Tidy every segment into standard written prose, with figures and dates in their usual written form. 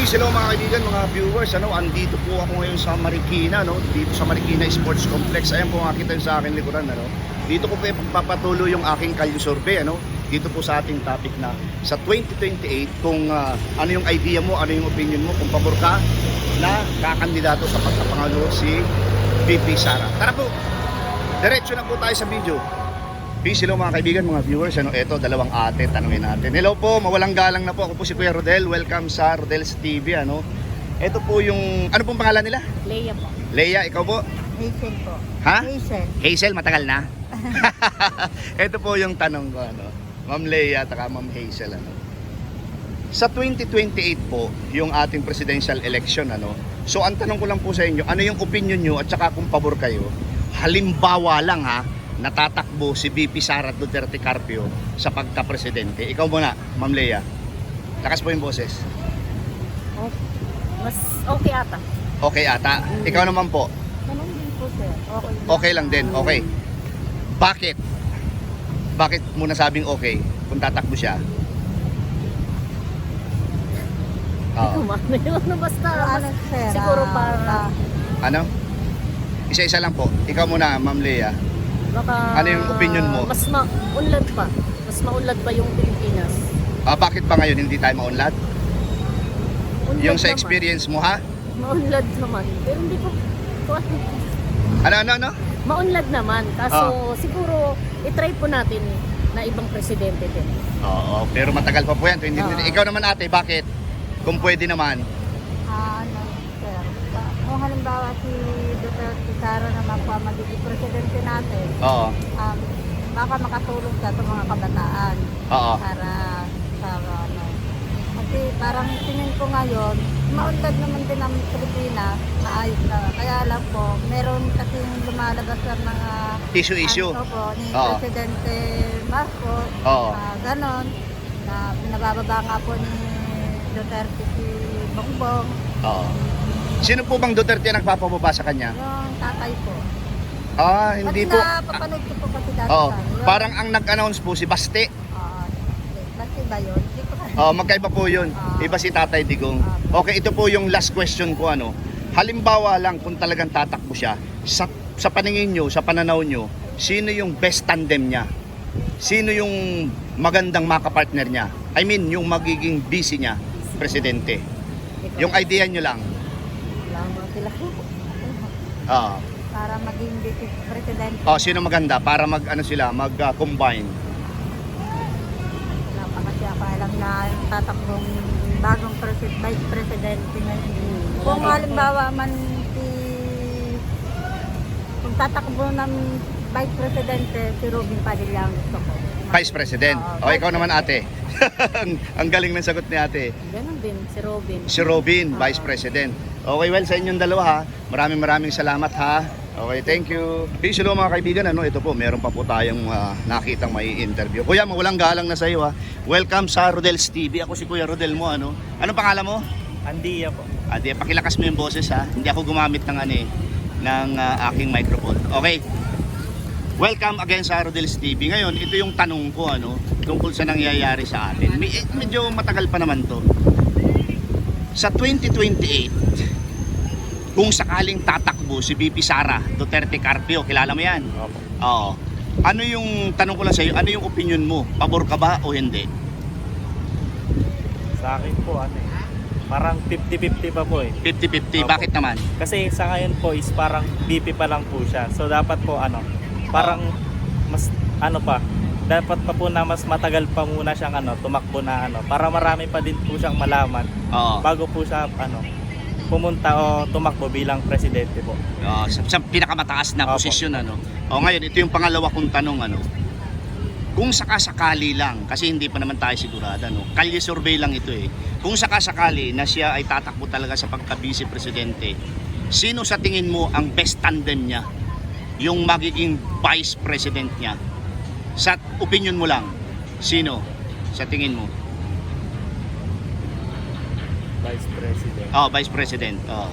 Peace hello mga kaibigan, mga viewers. Andito po ako ngayon sa Marikina, dito sa Marikina Sports Complex. Ayan po makita nyo sa akin likuran, Dito ko po ipagpapatuloy yung aking kalye survey, Dito po sa ating topic na sa 2028 kung ano yung idea mo, ano yung opinion mo, kung pabor ka na kakandidato sa pagkapangulo si VP Sara. Tara po, diretso na po tayo sa video. Peace hello mga kaibigan, mga viewers. Ito, dalawang ate, tanungin natin. Hello po, mawalang galang na po. Ako po si Kuya Rodel. Welcome sa Rodel's TV. Ito po yung, ano pong pangalan nila? Leia po. Leia, ikaw po? Hazel po. Ha? Hazel. Hazel, matagal na. Ito po yung tanong ko, Ma'am Leia at Ma'am Hazel, Sa 2028 po, yung ating presidential election, So, ang tanong ko lang po sa inyo, ano yung opinion nyo at saka kung pabor kayo? Halimbawa lang natatakbo si VP Sara Duterte Carpio sa pagka-presidente. Ikaw muna, Ma'am Leia. Lakas po yung boses. Oh, mas okay ata. Okay ata. Ikaw naman po. Tanong din po sir. Okay. Okay lang din. Okay. Bakit? Bakit mo nasabing okay kung tatakbo siya? Ano basta. Sir, Siguro para Ano? Isa-isa lang po. Ikaw muna, Ma'am Leia. baka Ano yung opinion mo? Mas maunlad pa. Mas maunlad pa yung Pilipinas. Bakit ba ngayon hindi tayo maunlad? Unlad Yung sa naman. experience mo, ha? Maunlad naman. Pero hindi ko Ano? maunlad naman. Kaso siguro i-try po natin na ibang presidente din. Oo, pero matagal pa po yan. Ikaw naman ate, bakit? Kung pwede naman. sir, kung halimbawa si Duterte Sara naman po ang magiging presidente natin, Oo. baka makatulong siya sa mga kabataan Oo. para sa kasi parang tingin ko ngayon, maunlad naman din ang Pilipinas, maayos na. Kaya lang po, meron kasing lumalabas ng mga Issue. ano po, ni Oo. Presidente Marcos, Oo. ganon, na pinabababa nga po ni Duterte si Bongbong, Oo. Sino po bang Duterte ang nagpapababa sa kanya? yung tatay po. Hindi Kasi po. napapanood ko po kasi dati Oo. sa Parang ang nag-announce po si Baste. Kasi ba yun? Hindi ko Magkaiba po yun. Iba si Tatay Digong. Okay, ito po yung last question ko. Halimbawa lang kung talagang tatakbo siya, sa paningin nyo, sa pananaw nyo, sino yung best tandem niya? Sino yung magandang makapartner niya? I mean, yung magiging busy niya, presidente. Yung idea nyo lang. lamang sila para maging vice president. Sino maganda para mag-combine? Wala pa kasi ako alam na yung tatakbong bagong vice presidente ngayon. Kung halimbawa man kung tatakbo ng vice presidente, si Robin Padilla ang gusto ko. Vice President. Ikaw naman ate. Ang galing ng sagot ni ate. Ganon din si Robin. Si Robin, Vice President. Okay, well, sa inyong dalawa Maraming salamat Okay, thank you. Peace hello mga kaibigan. Ito po, meron pa po tayong nakitang may interview. Kuya, mawalang galang na sa iyo Welcome sa Rodel's TV. Ako si Kuya Rodel mo. Anong pangalan mo? Andia po. Ate, pakilakas mo yung boses Hindi ako gumamit ng ng aking microphone. Okay. Welcome again sa Rodel's TV. Ngayon, ito yung tanong ko tungkol sa nangyayari sa atin. Medyo matagal pa naman to. Sa 2028, kung sakaling tatakbo si VP Sara Duterte Carpio, kilala mo yan? Opo. Oo. Ano yung tanong ko lang sa iyo, ano yung opinion mo? Pabor ka ba o hindi? Sa akin po parang 50-50 pa po 50-50. Opo. Bakit naman? Kasi sa ngayon po is parang BP pa lang po siya. So dapat po parang mas dapat pa po na mas matagal pa muna siyang tumakbo na para marami pa din po siyang malaman Oo. bago po siya pumunta o tumakbo bilang presidente po. Sa pinakamataas na Opo. posisyon ngayon ito yung pangalawa kong tanong kung sakasakali lang kasi hindi pa naman tayo sigurado kalye survey lang ito kung sakasakali na siya ay tatakbo talaga sa pagka-vice presidente, sino sa tingin mo ang best tandem niya, yung magiging vice president niya? Sa opinion mo lang, sino sa tingin mo? Vice President. Vice President.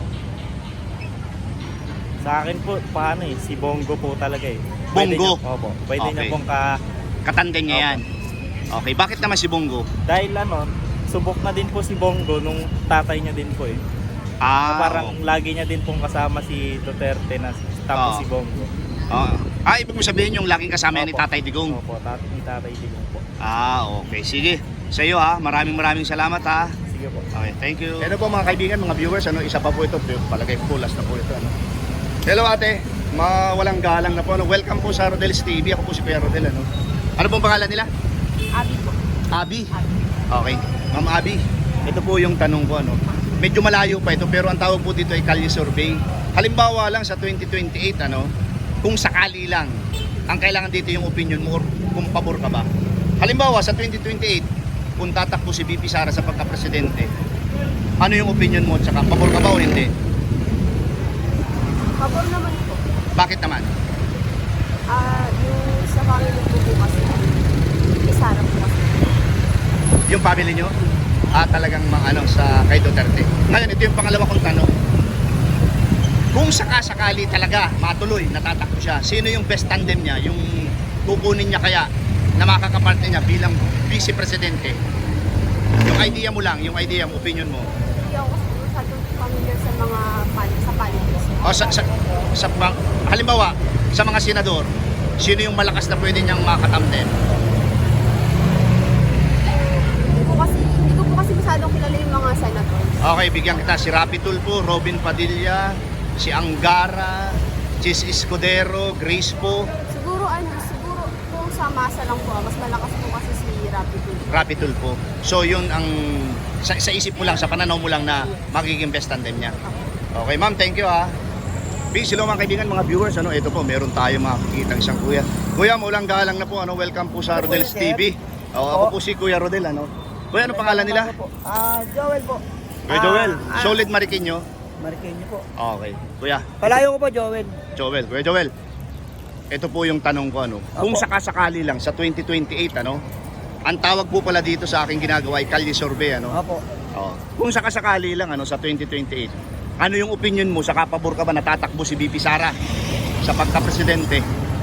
Sa akin po si Bongo po talaga Bongo? Opo. Pwede Okay. niya pong Katandem niya yan. Okay, bakit naman si Bongo? dahil subok na din po si Bongo nung tatay niya din po eh. Parang lagi niya din pong kasama si Duterte na tapos Oo. si Bongo. Ibig mo sabihin yung laging kasama yan ni Opo. Tatay Digong. Opo, ni tatay Digong po. Okay. Sige. Sa iyo ha, maraming salamat ha. Sige po. Okay, thank you. Ano po mga kaibigan, mga viewers, isa pa po ito, palagay ko last na po ito. Hello ate, mawalang galang na po. Welcome po sa Rodel's TV. Ako po si Kuya Rodel. Ano pong pangalan nila? Abi po. Abi. Okay. Ma'am Abi, ito po yung tanong ko. Medyo malayo pa ito pero ang tawag po dito ay Kalye Survey. Halimbawa lang sa 2028, kung sakali lang, ang kailangan dito yung opinion mo or kung pabor ka ba. Halimbawa sa 2028, kung tatakbo si VP Sara sa pagka-presidente, ano yung opinion mo at saka pabor ka ba o hindi? Pabor naman po. Bakit naman? Yung sa family ko po kasi, isa na po kasi. Yung family nyo? Talagang sa kay Duterte. Ngayon, ito yung pangalawa kong tanong. Kung sakasakali talaga matuloy, natatakbo siya, sino yung best tandem niya? Yung kukunin niya kaya na makakaparte niya bilang vice presidente? Yung idea mo lang, yung idea mo, opinion mo. Hindi ako kasi masyadong familiar sa mga sa politics. Halimbawa, sa mga senador, sino yung malakas na pwede niyang makatamden? Hindi ko po kasi masyadong kilala yung mga senator. Okay, bigyan kita. Si Rapi Tulfo, Robin Padilla, si Angara, Chis Escudero, Grace po, Siguro kung sa masa lang po, mas malakas po kasi si Rapi Tulfo. So yun ang sa isip mo lang, sa pananaw mo lang na magiging best tandem niya. Okay ma'am, thank you ha. Peace, hello mga kaibigan, mga viewers. Ito po, meron tayo makikita isang kuya. Kuya, maulang galang na po. Welcome po sa Rodel's TV. Ako po si Kuya Rodel. Kuya, ano pangalan nila? Joel po. Kuya Joel, Solid Mariqueño. Mariqueño po. Okay. Kuya, Palayo ko po, Joel. Kuya Joel. Ito po yung tanong ko Kung sakasakali lang sa 2028 ang tawag po pala dito sa aking ginagawa ay Kalye Survey Opo. Kung sakasakali lang sa 2028, ano yung opinion mo? Sa kapabor ka ba natatakbo si VP Sara sa pagka-presidente?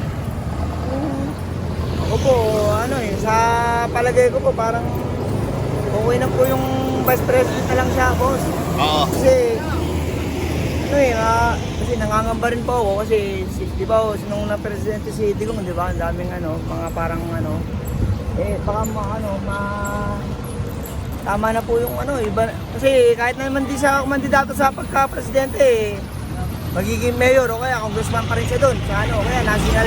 Ako po, sa palagay ko po, parang okay na po yung vice president na lang siya, boss. Oo. Kasi, kasi nangangamba rin po ako kasi, di ba, nung na-presidente si Digong, di ba, ang daming mga parang baka tama na po yung iba, kasi kahit naman di siya kumandidato sa pagka-presidente, magiging mayor o kaya congressman pa rin siya doon sa kaya national,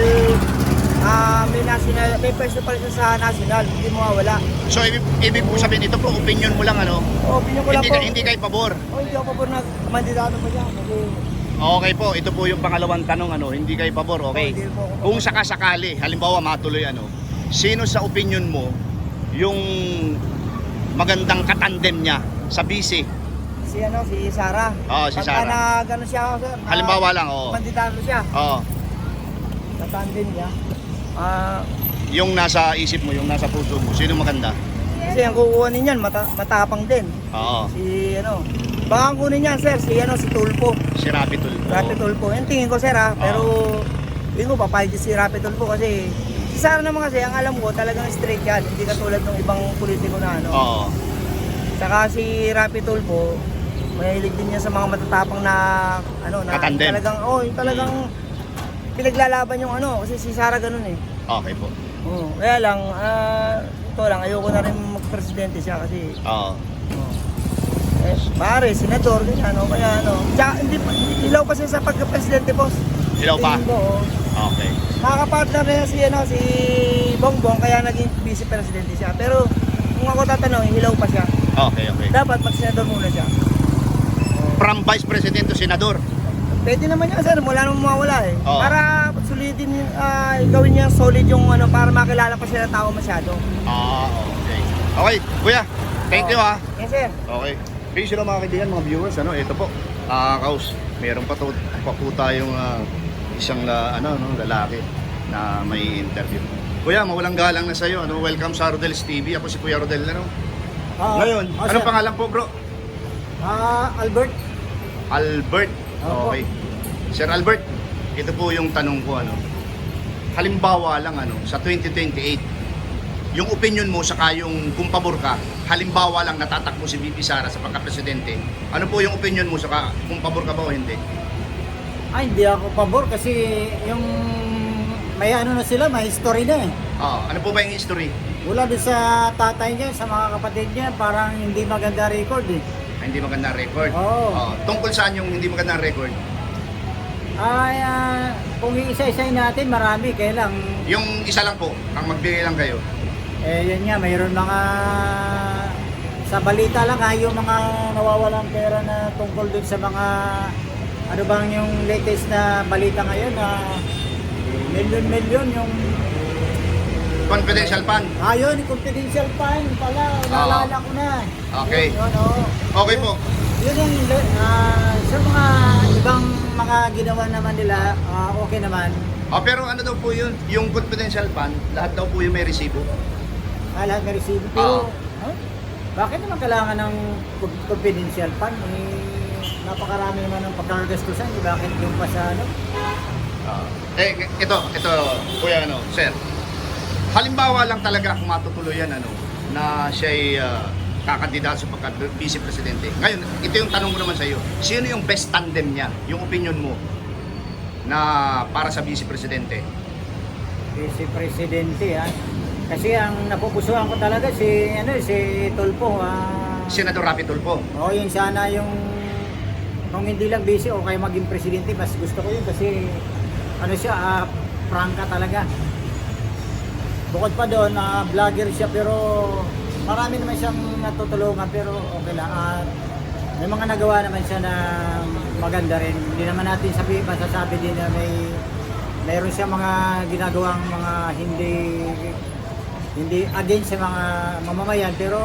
may pwesto pa rin siya sa national, hindi mawawala. So ibig po sabihin, ito po opinion mo lang Opinion ko lang po. Hindi kayo pabor. Hindi ako pabor na kumandidato pa siya kasi Okay po, ito po yung pangalawang tanong hindi kayo pabor, okay? hindi po ako pabor. Kung sakasakali, halimbawa matuloy sino sa opinion mo yung magandang katandem niya sa vice? si Sara. Si Pagka Sara. na gano'n siya, sir, Halimbawa lang, kumandidato siya, Oo. sa tandem niya. Yung nasa isip mo, yung nasa puso mo, sino maganda? Kasi ang kukuha niyan, matapang din. Oo. Baka ang kunin niyan, sir, si Tulfo. Si Rapi Tulfo. Rapi Tulfo. Yung tingin ko, sir, pero tingin ko papayag si Rapi Tulfo kasi si Sara naman kasi, ang alam ko, talagang straight yan. Hindi katulad ng ibang politiko na Oo. Saka si Rapi Tulfo, mahilig din niya sa mga matatapang na Katandem. talagang yung talagang pinaglalaban yung kasi si Sara ganun eh. Okay po. Kaya lang ito lang, ayoko na rin magpresidente siya kasi pare, senador ganyan kaya tsaka, hindi ilaw pa siya sa pagka-presidente, boss. Ilaw pa? Tingin ko, Okay. Nakakapartner na si Bongbong kaya naging vice presidente siya. Pero kung ako tatanungin, hilaw pa siya. Okay. Dapat mag-senador muna siya. From Vice President to Senador. Pwede naman yan, sir. Wala namang mawawala eh. Oo. Para solidin, gawin niya solid yung para makilala pa siya ng tao masyado. Okay. Okay, kuya. Thank you ha. Yes, sir. Okay. Peace lang mga kaibigan, mga viewers. Ito po. Kaus, meron pa po tayong isang lalaki na may interview. Kuya, mawalang galang na sa'yo. Welcome sa Rodel's TV. Ako si Kuya Rodel. Ngayon, anong pangalan po, bro? Albert. Albert. Opo. Okay. Sir Albert, ito po yung tanong ko Halimbawa lang sa 2028, yung opinion mo saka yung kung pabor ka, halimbawa lang natatakbo si VP Sara sa pagka-presidente, ano po yung opinion mo saka kung pabor ka ba o hindi? Ay, hindi ako pabor kasi yung may ano na sila, may history na eh. Ano po ba yung history? Wala doon sa tatay niya, sa mga kapatid niya, parang hindi maganda record eh. Hindi magandang record. Oo. Tungkol saan yung hindi magandang record? Ay, kung iisa-isayin natin, marami, kaya lang, Yung isa lang po, ang magbigay lang kayo. yan nga, mayroon mga, sa balita lang yung mga nawawalang pera na tungkol dun sa mga, ano bang yung latest na balita ngayon na milyon-milyon yung, Confidential fund. ayun, confidential fund pala, naalala ko na. Okay. Yun, oo. Okay po. Yun yung sa mga ibang mga ginawa naman nila, okay naman. Pero ano daw po yun? Yung confidential fund, lahat daw po yung may resibo. Lahat may resibo. Pero, bakit naman kailangan ng confidential fund? Napakarami naman ng pagkakagastusan. Bakit yung pa sa ano? Ito, kuya sir. Halimbawa lang talaga kung matutuluyan na siya'y kakandidato sa pagka-vice presidente. Ngayon, ito yung tanong ko naman sa iyo. Sino yung best tandem niya? Yung opinion mo na para sa vice presidente? Vice Presidente, Kasi ang napupusuhan ko talaga si Tulfo. Senador Rapi Tulfo. Yun sana yung kung hindi lang vice o kaya maging presidente, mas gusto ko yun kasi siya, prangka talaga. Bukod pa doon, vlogger siya pero marami naman siyang natutulungan pero okay lang. May mga nagawa naman siya na maganda rin. Hindi naman natin masasabi din na mayroon siya mga ginagawang mga hindi against sa mga mamamayan pero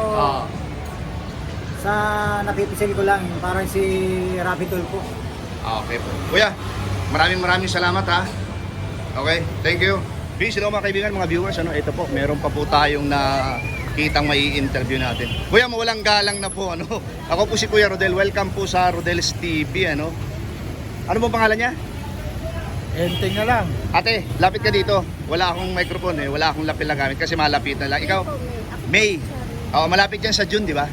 sa napipisil ko lang parang si Rapi Tulfo. Okay po. Kuya, maraming salamat ha. Okay, thank you. Peace, hello mga kaibigan, mga viewers. Ito po, meron pa po tayong nakitang mai-interview natin. Kuya, mawalang galang na po. Ako po si Kuya Rodel. Welcome po sa Rodel's TV. Ano po pangalan niya? Enteng na lang. Ate, lapit ka dito. Wala akong microphone wala akong lapel na gamit kasi malapit na lang. Ikaw? May. Malapit yan sa June, di ba?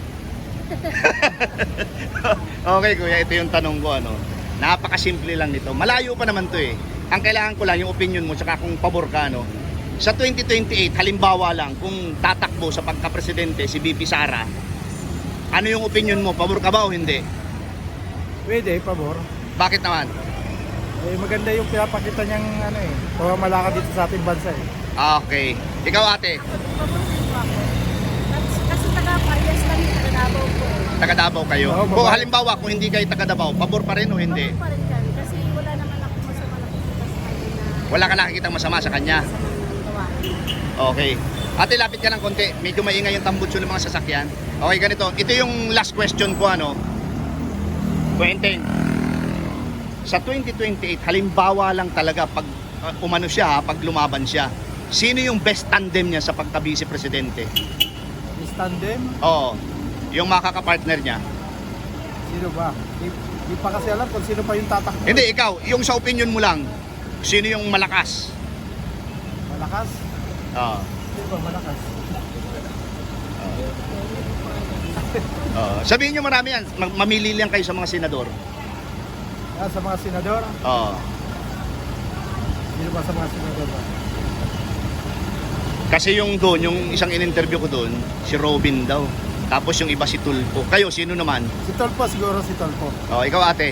Okay, Kuya, ito yung tanong ko. Napakasimple lang nito. Malayo pa naman to Ang kailangan ko lang yung opinion mo tsaka kung pabor ka sa 2028 halimbawa lang kung tatakbo sa pagka-presidente si VP Sara, ano yung opinion mo? Pabor ka ba o hindi? Pwede, pabor. Bakit naman? Maganda yung pinapakita niyang pamamalakad dito sa ating bansa Okay. Ikaw ate, Paborito ako. Kasi taga-Parias kami, taga-Davao po. taga Davao kayo. Oo, Kung babae. halimbawa kung hindi kayo taga Davao, pabor pa rin o hindi? Pabor pa rin kami kasi wala naman ako masama nakikita sa kanya na Wala ka nakikitang masama sa kanya. sa mga gawain. Okay. Ate, lapit ka ng konti. Medyo maingay yung tambutso ng mga sasakyan. Okay, ganito. Ito yung last question ko, Quentin. Sa 2028, halimbawa lang talaga pag umano siya, pag lumaban siya, sino yung best tandem niya sa pagka-vice presidente? Is tandem? Oo. Yung makaka-partner niya. Sino ba? Di pa kasi alam kung sino pa yung tatakbo. Hindi, ikaw. Yung sa opinion mo lang, sino yung malakas? Malakas? Oo. Sino ba malakas? Sabihin nyo marami yan. Mamili lang kayo sa mga senador. Sa mga senador? Oo. Sino ba sa mga senador ba? Kasi yung doon, yung isang in-interview ko doon, si Robin daw. Tapos yung iba si Tulfo. Kayo, sino naman? Si Tulfo, siguro si Tulfo. Ikaw ate.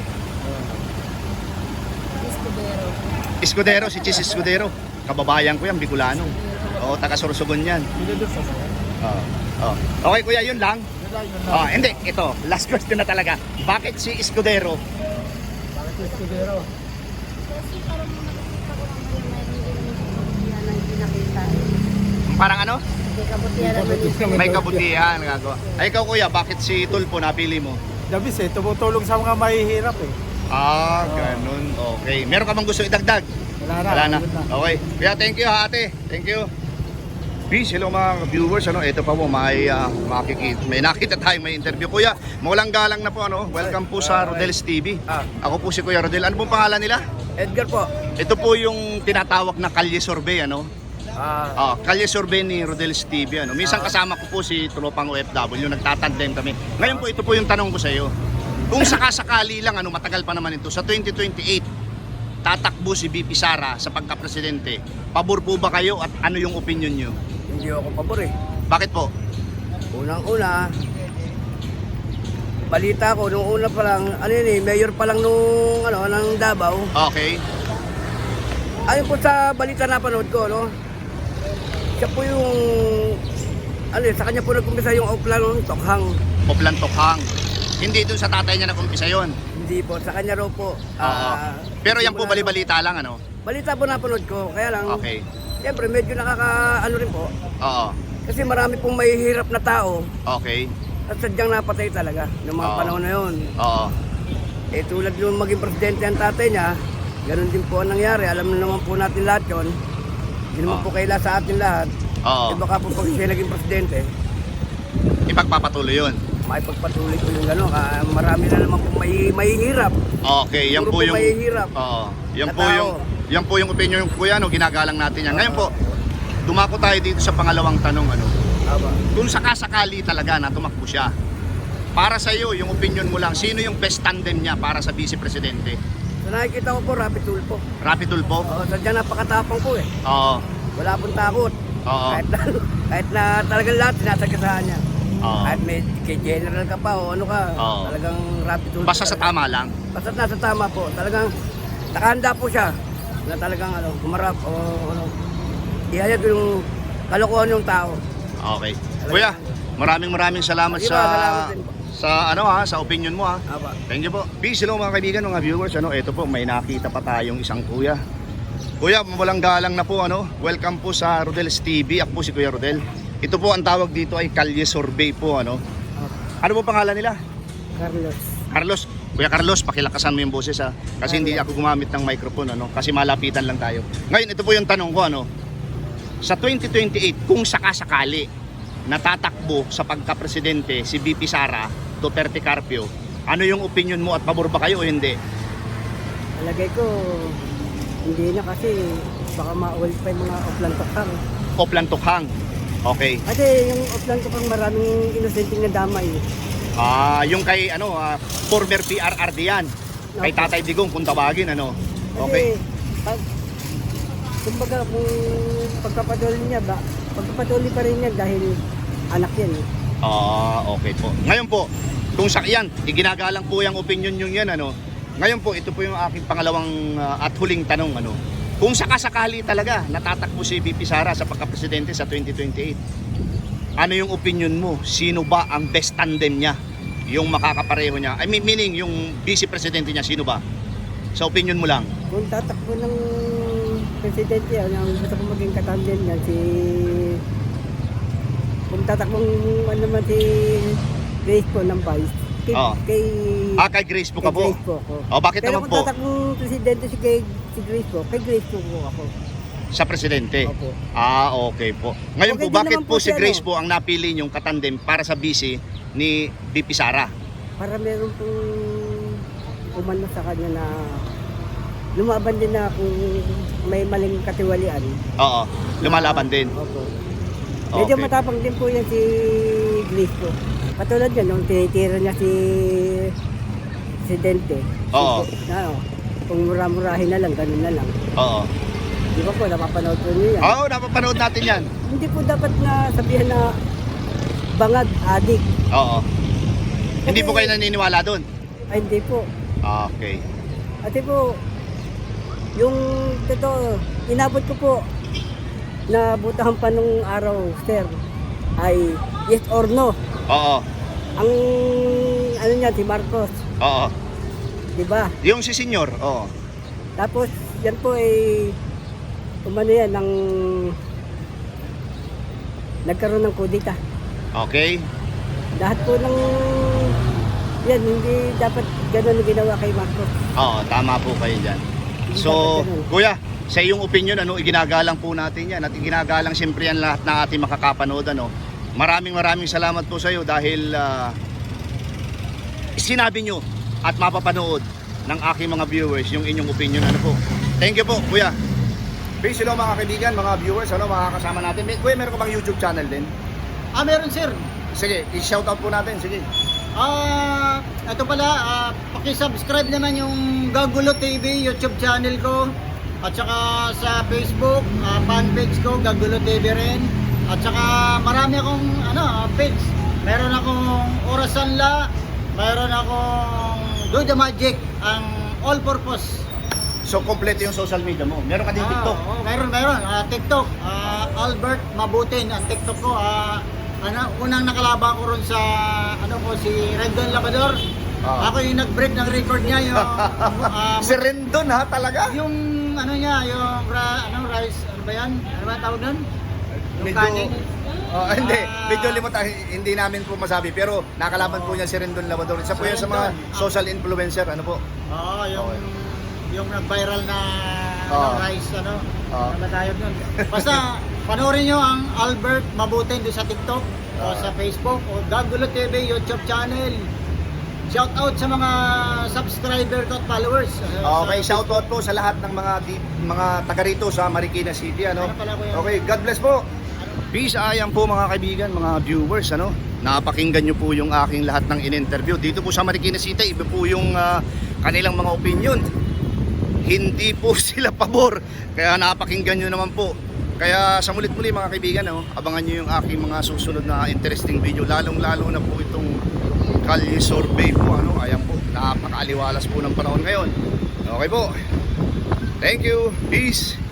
Escudero. Escudero, si Chis Escudero. Kababayan ko yan, Bicolano. Oo, taga Sorsogon yan. Sino doon sa mga? Okay kuya, yun lang. Yun lang. Hindi, ito, last question na talaga. Bakit si Escudero? Bakit si Escudero? Kasi parang nakikita ko naman na hindi hindi nakita. Parang ano? Hindi kabutihan naman. May kabutihan. Ay, ikaw kuya, bakit si Tulfo napili mo? Dabis tumutulong sa mga mahihirap Ganun. Okay. Meron ka bang gusto idagdag? Wala na. Yun Okay. Kaya thank you ha ate. Thank you. Peace. Hello mga viewers. Ito pa po may nakita tayong may interview. Kuya, mawalang galang na po. Welcome po sa Rodel's TV. Ako po si Kuya Rodel. Ano pong pangalan nila? Edgar po. Ito po yung tinatawag na Kalye Survey. Kalye survey ni Rodel's TV. Ano? Minsan kasama ko po si Tropang OFW, nagtatandem kami. Ngayon po, ito po yung tanong ko sa iyo. Kung sakasakali lang, ano, matagal pa naman ito, sa 2028, tatakbo si VP Sara sa pagka-presidente. Pabor po ba kayo at ano yung opinion nyo? Hindi ako pabor eh. Bakit po? Unang-una, balita ko, nung una pa lang, ano yun eh, mayor pa lang nung, ng Davao. Okay. Ayon po sa balita na panood ko, no? Siya po yung, sa kanya po nag-umpisa yung Oplan Tokhang. Oplan Tokhang. Hindi dun sa tatay niya nag-umpisa yun. Hindi po, sa kanya raw po. Pero yan po bali-balita lang, ano? Balita po napanood ko, kaya lang, Okay. siyempre medyo nakaka-ano rin po. Oo. Kasi marami pong mahihirap na tao Okay. at sadyang napatay talaga ng mga Oo. panahon na yun. Oo. Eh tulad nung maging presidente ang tatay niya, ganun din po ang nangyari. Alam na naman po natin lahat yun. Hindi naman Oo. po kaila sa atin lahat. Oo. Eh baka po pag siya naging presidente, Ipagpapatuloy yun. maipagpatuloy po yung gano'n. Marami na naman po mahihirap. Okay, yan Puro po po yung mahihirap. Oo. Yan na po tao. yan po yung opinion ng kuya, no, ginagalang natin yan. Ngayon po, dumako tayo dito sa pangalawang tanong, ano. Aba. Kung sakasakali talaga na tumakbo siya, para sa iyo, yung opinion mo lang, sino yung best tandem niya para sa vice presidente? So nakikita ko po, Rapi Tulfo. Rapi Tulfo? Oo, sadyang napakatapang po eh. Oo. Wala pong takot. Oo. Kahit na talagang lahat sinasagasaan niya. Oo. Kahit may kay general ka pa o ano ka, Oo. talagang Rapi Tulfo. Basta sa tama lang. Basta nasa tama po. Talagang nakahanda po siya na talagang humarap o ihayag yung kalokohan ng tao. Okay. Kuya, maraming salamat Sige sa ba, salamat din po. sa opinion mo ha. Aba. Thank you po. Peace, hello mga kaibigan, mga viewers. Ito po, may nakita pa tayong isang kuya. Kuya, walang galang na po, Welcome po sa Rodel's TV. Ako po si Kuya Rodel. Ito po ang tawag dito ay Kalye Survey po, Ano po pangalan nila? Carlos. Kuya Carlos, pakilakasan mo yung boses ha. Kasi hindi ako gumamit ng microphone, Kasi malapitan lang tayo. Ngayon, ito po yung tanong ko, Sa 2028, kung sakasakali natatakbo sa pagka-presidente si VP Sara Duterte Carpio, ano yung opinion mo at pabor ba kayo o hindi? Alagay ko, hindi na kasi baka maulit pa yung mga Oplan Tokhang. Oplan Tokhang. Okay. Kasi yung Oplan Tokhang maraming inosenteng na damay. Yung kay former PRRD yan. Kay Tatay Digong kung tawagin, Kasi, Okay. kumbaga kung pagpapatuloy niya ba, pagpapatuloy pa rin niya dahil anak yan. Okay po. Ngayon po, kung yan, iginagalang po yung opinion nyo yan, Ngayon po, ito po yung aking pangalawang at huling tanong, Kung sakasakali talaga natatakbo si VP Sara sa pagka-presidente sa 2028, ano yung opinion mo? Sino ba ang best tandem niya? Yung makakapareho niya? I mean, meaning yung vice-presidente niya, sino ba? Sa opinion mo lang. Kung tatakbo ng presidente, ang gusto ko maging katandem niya, kung tatakbong naman si Grace po ng vice, kay Grace po ka po? Grace po ako. Bakit Pero naman kung po? tatakbong presidente si Grace po, kay Grace po ako. Sa presidente? Opo. Okay po. Ngayon Okay po, din bakit naman po po si siya, Grace po ang napili niyong katandem para sa vice ni VP Sara? Para meron pong umano sa kanya na lumaban din na kung may maling katiwalian. Oo, lumalaban din. Opo. Medyo Okay. matapang din po yan si Grace po. Katulad yan, nung tinitira niya si Presidente. Oo. Kung mura-murahin na lang, ganun na lang. Oo. Di ba po, napapanood po niyo yan. Oo, napapanood natin yan. Hindi po dapat na sabihan na bangag, adik. Oo. Hindi po kayo naniniwala doon? Ay, hindi po. Okay. Ate po, yung totoo, inabot ko po na butahan pa nung araw, sir, ay yes or no. Oo. Ang ano niya, si Marcos, Oo. di ba? Yung si Senyor, oo. Tapos, yan po ay umano yan, nagkaroon ng kudita. Okay. Lahat po ng yan, hindi dapat gano'n ginawa kay Marcos. Oo, tama po kayo dyan. So, kuya, sa iyong opinion, iginagalang po natin yan at iginagalang siyempre yan lahat na ating makakapanood, Maraming salamat po sa iyo dahil sinabi nyo at mapapanood ng aking mga viewers yung inyong opinion, po. Thank you po, kuya. Peace, hello mga kaibigan, mga viewers, ano, mga kasama natin. Kuya, meron ka bang YouTube channel din? Meron sir. Sige, i-shoutout po natin, sige. Ito pala, paki-subscribe naman yung Gagulo TV YouTube channel ko. At saka sa Facebook, fanpage ko, Gagulo TV rin. At saka marami akong page. Meron akong Orasanla, meron akong Do the Magic, ang all-purpose. So, kompleto yung social media mo. Meron ka din TikTok. Meron. TikTok, Albert Mabutin, ang TikTok ko. Unang nakalaban ko ron sa si Rendon Labrador. Ako yung nag-break ng record niya yung Si Rendon ha, talaga? yung rice, ano ba yan? Ano ba tawag doon? Yung Medyo, kanin. hindi, medyo limutan, hindi namin po masabi. Pero nakalaban po niya si Rendon Labrador. Isa po yan sa mga social influencer, ano po? Yung nag-viral na rice, ano ba tayo nun? Basta, panoorin nyo ang Albert Mabutin doon sa TikTok o sa Facebook o Gagulo TV YouTube channel. Shout out sa mga subscriber ko at followers. Okay, shoutout po sa lahat ng mga taga rito sa Marikina City, ano? Okay, God bless po. Peace, ayan po mga kaibigan, mga viewers, ano? Napakinggan nyo po yung aking lahat ng in-interview. Dito po sa Marikina City, iba po yung kanilang mga opinion. Hindi po sila pabor, kaya napakinggan nyo naman po. Kaya sa mulit-muli mga kaibigan, abangan nyo yung aking mga susunod na interesting video. Lalong-lalo na po itong Kalye Survey po. Ayan po, napakaaliwalas po ng panahon ngayon. Okay po. Thank you. Peace.